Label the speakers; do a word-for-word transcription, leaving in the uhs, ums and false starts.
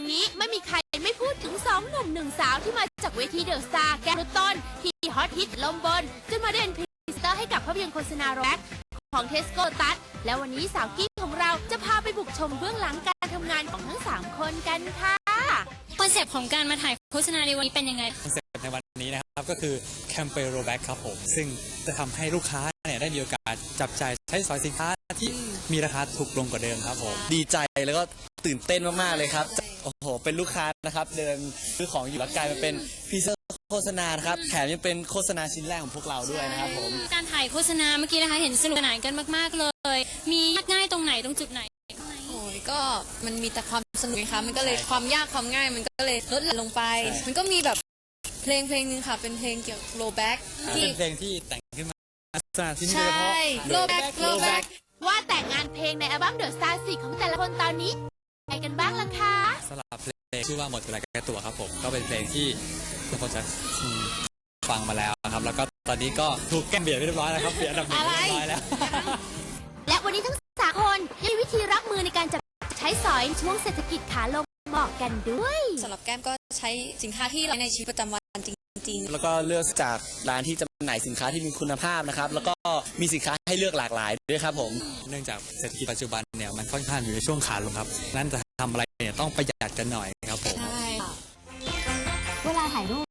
Speaker 1: นี้ไม่มีใครไม่พูดถึงสองหนุ่มหนึ่งสาวที่มาจากเวทีเดอะสตาร์แกรุต้นที่ฮอตฮิตลมบนจนมาเด่นพรีเซนเตอร์ให้กับภาพยนตร์โฆษณาแร็กของเทสโก้ตัสและวันนี้สาวกี้ของเราจะพาไปบุกชมเบื้องหลังการทำงานของทั้งสามคนกันค่ะ
Speaker 2: คอนเซปต์ของการมาถ่ายโฆษณาในวันนี้เป็นยังไง
Speaker 3: คอนเซปต์ในวันนี้นะครับก็คือแคมเปญโรแบ็กครับผมซึ่งจะทำให้ลูกค้าเนี่ยได้มีโอกาสจับจ่ายใช้สอยสินค้าที่มีราคาถูกลงกว่าเดิมครับผม
Speaker 4: ดีใจแล้วก็ตื่นเต้นมากๆเลยครับโอ้โหเป็นลูกค้านะครับเดินซื้อของอยู่แล้วกลายมาเป็นพรีเซนเตอร์โฆษณาครับแถมยังเป็นโฆษณาชิ้นแรกของพวกเราด้วยนะครับผม
Speaker 2: การถ่ายโฆษณาเมื่อกี้นะคะเห็นสนุกสนานกันมากๆเลยมียากง่ายตรงไหนตรงจุดไหน
Speaker 5: โอ้ยก็มันมีแต่ความสนุกนะคะมันก็เลยความยากความง่ายมันก็เลยลดลงไปมันก็มีแบบเพลงเพลงนึงค่ะเป็นเพลงเกี่ยวกับโรแบ็ก
Speaker 3: ที่เป็นเพลงที่แต่งขึ้นมาสถานที่นี่
Speaker 5: โดยเฉพาะโรแบ็กโรแบ็ก
Speaker 1: ว่าแต่งงานเพลงในอัลบั้มเดอะสตาร์สี่ของแต่ละคนตอนนี้ใครกันบ้างล่ะคะ
Speaker 3: สำหรับเพลงชื่อว่าหมดเวลาแก้ตัวครับผมก็เป็นเพลงที่ทุกคนจะฟังมาแล้วครับแล้วก็ตอนนี้ก็ถูกแก้มเบียดเรียบร้อยแล้วครับเบียดอันดับหนึ่งเรียบร้อยแล้ว
Speaker 1: และวันนี้ทั้งสามคนยังมีวิธีรับมือในการจับใช้สอยช่วงเศรษฐกิจขาลงบอกกันด้วย
Speaker 5: สำหรับแก้มก็ใช้สินค้าที่ใช้ในชีวิตประจำวันจริงๆ
Speaker 4: แล้วก็เลือกจากร้านที่จำหน่ายสินค้าที่มีคุณภาพนะครับแล้วก็มีสินค้าให้เลือกหลากหลายด้วยครับผม
Speaker 3: เนื่องจากเศรษฐกิจปัจจุบันเนี่ยมันค่อนข้างอยู่ในช่วงขาลงครับนั่นจะทำอะไรเนี่ยต้องประหยัดกันหน่อยครับผม
Speaker 1: เวลาถ่ายรูป